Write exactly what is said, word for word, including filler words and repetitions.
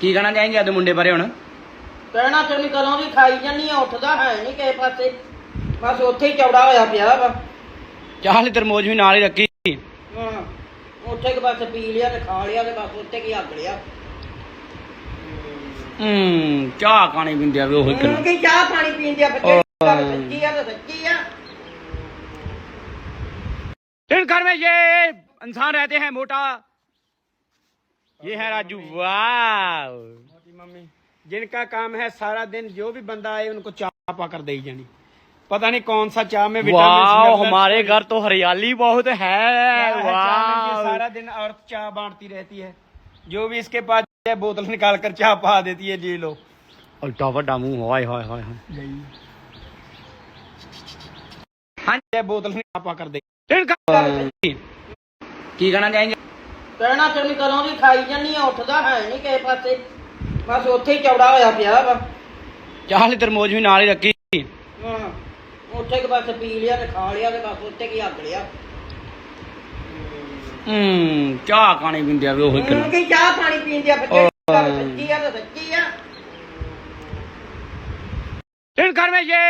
ਕੀ ਕਹਿਣਾ ਚਾਹੀਂਗੇ ਆਦੇ ਮੁੰਡੇ ਬਾਰੇ ਹੁਣ? ਕਹਿਣਾ ਤੇ ਨਹੀਂ, ਕਦੋਂ ਦੀ ਖਾਈ ਜਾਨੀ ਆ, ਉੱਠਦਾ ਹੈ ਨਹੀਂ ਕਿਸੇ ਪਾਸੇ, ਬਸ ਉੱਥੇ ਹੀ ਚੌੜਾ ਹੋਇਆ ਪਿਆ ਵਾ। ਚਾਹ ਲਈ ਤਰਮੋਜ ਵੀ ਨਾਲ ਹੀ ਰੱਖੀ। ਹਾਂ, ਉੱਥੇ ਕਿ ਬਸ ਪੀ ਲਿਆ ਤੇ ਖਾ ਲਿਆ ਤੇ ਬਸ ਉੱਥੇ ਕੀ ਹੱਗ ਲਿਆ। ਹੂੰ ਚਾਹ ਕਾਣੀ ਪੀਂਦੇ ਆ ਵੀ ਉਹੀ ਹੁਣ ਕੀ ਚਾਹ ਪਾਣੀ ਪੀਂਦੇ ਆ ਬੱਚੇ, ਗੱਲ ਸੱਚੀ ਆ ਤਾਂ ਸੱਚੀ ਆ। इन घर में ये इंसान रहते हैं मोटा, ये है राजू। वाह मोटी मम्मी जिनका काम है सारा दिन जो भी बंदा आए उनको चाय पा कर दे जानी। पता नहीं कौन सा चाय में वाह, हमारे घर तो हरियाली बहुत है। वाह, सारा दिन औरत चाय बांटती रहती है, जो भी इसके पास है बोतल निकाल कर चाय पा देती है। जी लो, उल्टा वड्डा मुंह, हाय हाय हाय हाय। हाँ जी, बोतल निकाल पा कर दे। ਕੀ ਕਹਿਣਾ ਚਾਹੀਂਗੇ? ਕਹਿਣਾ ਤੇ ਨਹੀਂ, ਕਦੋਂ ਦੀ ਖਾਈ ਜਾਨੀ ਆ, ਉੱਠਦਾ ਹੈ ਨਹੀਂ ਕਿਸੇ ਪਾਸੇ, ਬਸ ਉੱਥੇ ਹੀ ਚੌੜਾ ਹੋਇਆ ਪਿਆ ਵਾ। ਚਾਹ ਲਈ ਤਰਮੋਜ ਵੀ ਨਾਲ ਹੀ ਰੱਖੀ। ਹਾਂ, ਉੱਥੇ ਕਿ ਬਸ ਪੀ ਲਿਆ ਤੇ ਖਾ ਲਿਆ ਤੇ ਬਸ ਉੱਥੇ ਕੀ ਹੱਗ ਲਿਆ। ਹੂੰ ਚਾਹ ਕਾਣੀ ਪੀਂਦੇ ਆ ਵੀ ਉਹੀ ਹੁਣ ਕੀ ਚਾਹ ਪਾਣੀ ਪੀਂਦੇ ਆ ਬੱਚੇ, ਗੱਲ ਸੱਚੀ ਆ ਤਾਂ ਸੱਚੀ ਆ। इन घर में ये